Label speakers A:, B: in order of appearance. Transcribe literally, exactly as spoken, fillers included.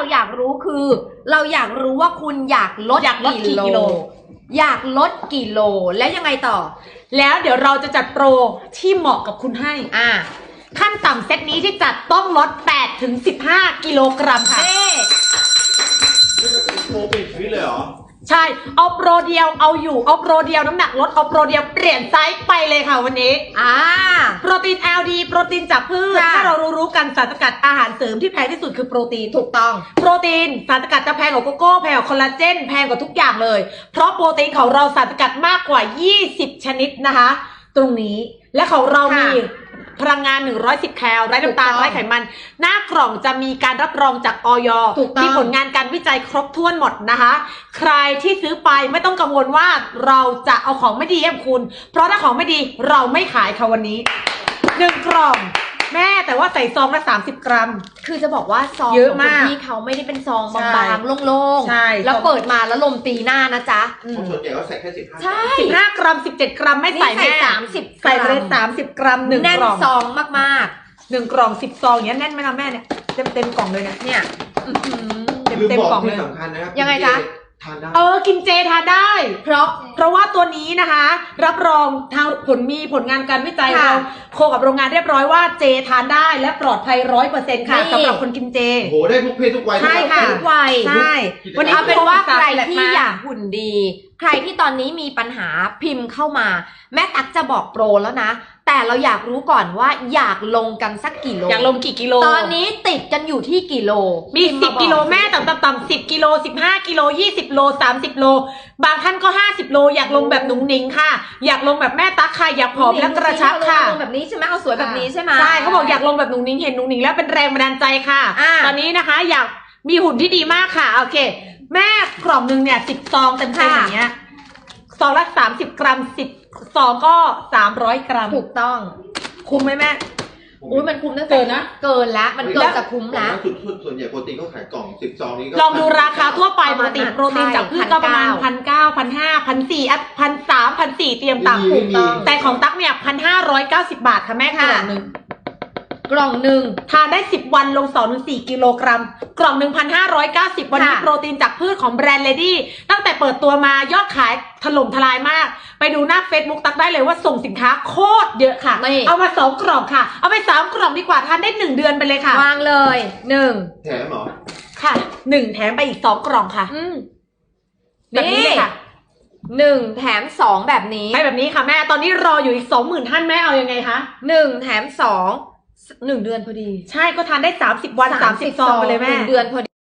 A: อยากรู้คือ เราอยากรู้ว่าคุณอยากลด
B: อยากลดกี่กิโล
A: อยากลดกี่โลแล้วยังไงต่อ
B: แล้วเดี๋ยวเราจะจัดโปรที่เหมาะกับคุณให้
A: อ่า
B: ขั้นต่ำเซตนี้ที่จัดต้องลดแปดถึงสิบห้ากิโลกรัมค่ะ
A: เน่
C: นี่มันเป็นโปรปิดชีวิตเลยเหรอ
B: ใช่เอาโปรเดียวเอาอยู่เอาโปรเดียวน้ำหนักลดเอาโปรเดียวเปลี่ยนไซส์ไปเลยค่ะวันนี้
A: อ่า
B: โปรตีน แอล ดี โปรตีนจากพืช
A: ค่ะ
B: ถ้าเรารู้ๆกันสารสกัดอาหารเสริมที่แพงที่สุดคือโปรตีน
A: ถูกต้อง
B: โปรตีนสารสกัดจะแพงกว่าโกโก้แพงกว่าคอลลาเจนแพงกว่าทุกอย่างเลย เพราะโปรตีนของเราสารสกัดมากกว่ายี่สิบชนิดนะคะ ตรงนี้และของเรามี
A: ค่ะ
B: พลังงานหนึ่งร้อยสิบแคลไร้น้ำตาล
A: ถูกต้อง
B: ไร้ไขมัน หน้ากล่องจะมีการรับรองจากอย
A: ถูกต้อง
B: มีผลงานการวิจัยครบถ้วนหมดนะคะ ใครที่ซื้อไปไม่ต้องกังวลว่าเราจะเอาของไม่ดีให้คุณ เพราะถ้าของไม่ดีเราไม่ขายค่ะวันนี้หนึ่งกล่องแม่แต่ว่าใส่ซองละสามสิบกรัม
A: คือจะบอกว่าซอง
B: เยอะ
A: ของ
B: มาก
A: คุณพี่เขาไม่ได้เป็นซอง
B: ใช่
A: บางๆโล่ง
B: ใช่
A: ๆแล้วเปิดมาแล้วลมตีหน้านะจ๊ะ
B: อืม
C: เพราะส่วนใหญ่ก็ใส่แค่สิบห้า
A: ใช่
B: สิบห้ากรัมสิบเจ็ดกรัมไม่ใส่
A: นี่ใส่
B: แม่
A: สามสิบ
B: ใส่ไปเลย
A: กรัม
B: สามสิบกรัมหนึ่ง
A: แน่น
B: กล่อง
A: ซองมาก
B: หนึ่งกล่องสิบซองอย่างเงี้ยแน่นไหมล่ะแม่เนี่ยเต็มเต็มกล่องเลยเนี่ย
A: ๆ เนี่ยอื้อหือ
B: เต็ม
C: ลืม
B: เต็ม
C: บอก
B: กล่องเล
C: ที่
B: ย
C: สำคัญนะครับ
A: ยังไงจ๊ะ
C: ทานได้
B: เออกินเจทานได้
A: เพราะ
B: เพราะว่าตัวนี้นะคะ รับรองทางผลมีผลงานการวิจัย
A: ค่ะ
B: เราโคกับโรงงานเรียบร้อยว่าเจทานได้และปลอดภัยร้อยเปอร์เซ็นต์ค่ะ
A: นี่
B: สำหรับคนกินเจ
C: โอ้โหได้ทุกเพศทุกวัย
B: ใช่ค่ะ
A: ทุกวัย
B: ใช่ วันนี้
A: เอาเป็นว่าใคร
B: แหลก
A: ที่
B: มา
A: อยากหุ่นดี ใครที่ตอนนี้มีปัญหาพิมพ์เข้ามา แม่ตักจะบอกโปรแล้วนะ แต่เราอยากรู้ก่อนว่าอยากลงกันสักกี่โล
B: อยากลงกี่กิโล
A: ตอนนี้ติดกันอยู่ที่กี่โล
B: มี
A: พิพ์
B: สิบ
A: าอก
B: กิโลแม่ต่ำต่ำๆสิบกิโลสิบห้ากิโลยี่สิบโลสามสิบโลบางท่านก็ห้าสิบโลอยากลงแบบหนุ่งหนิงค่ะ อยากลงแบบแม่ตั๊กค่ะอยากผอมและกระชับค่ะ
A: ลงแบบนี้ใช่ไหมเอาสวยแบบนี้ใช่ไหม
B: ใช่เขาบอกอยากลงแบบหนุ่งหนิงเห็นหนุ่งหนิงแล้วเป็นแรงบันดาลใจค่ะ
A: อ่า
B: ตอนนี้นะคะ อยากมีหุ่นที่ดีมากค่ะโอเค แม่กล่องหนึ่งเนี่ยสิบซองเต็มๆอย่างเงี้ยซองละสามสิบกรัมสิบซองก็สามร้อยกรัม
A: ถูกต้อง
B: คุ้มไหมแม่
A: อุ้ยมันคุ้มตั้งแต่
B: เกินนะ
A: เกินแล้วมันเกินจะคุ้ม
C: แล้
A: แล้ว ว
C: สุดส่วนใหญ่โปรตีนเขาขายกล่องสิบซองนี้ก็
B: ลองดูราคาทั่วไป
A: ประ
B: ป
A: มาณ
B: กติ
A: นั้น
B: โปรตีนจากพืชก็ประมาณ
A: ใช่
B: พันเก้าพันห้าพันสี่อ่ะพันสามพันสี่เตรียม
C: ไม่
B: ต่ำ
C: มีไม่มี
B: แต่ของตั๊กเนี่ยพันห้าร้อยเก้าสิบบาทค่ะแม่ก
A: ค่ะ
B: ล่องหนึ่ง
A: กล่องหนึ่ง
B: ทานได้สิบวันลงสองถึงสี่กิโลกรัม กล่องหนึ่งพันห้าร้อยเก้าสิบวันนี้
A: ค่ะ
B: โปรตีนจากพืชของแบรนด์เลดี้ตั้งแต่เปิดตัวมายอดขายถล่มทลายมาก ไปดูหน้า Facebook ตั๊กได้เลยว่าส่งสินค้าโคตรเยอะค่ะ
A: นี่
B: เอามาสองกล่องค่ะ เอาไปสามกล่องดีกว่าทานได้หนึ่งเดือนไปเลยค่ะ
A: วางเลยหนึ่ง
C: แถมเหรอ
B: ค่ะหนึ่งแถมไปอีกสองกล่องค่ะ
A: อืม
B: แบบนี้เลยค่ะ
A: หนึ่งแถมสองแบบนี้
B: ไปแบบนี้ค่ะแม่ตอนนี้รออยู่อีกสองหมื่นท่านแม่เอายังไงคะ
A: หนึ่งแถมสองหนึ่งเดือนพอดี
B: ใช่ก็ทานได้สามสิบวันสามสิบซองไปเลยแม่
A: หนึ่งเดือนพอดี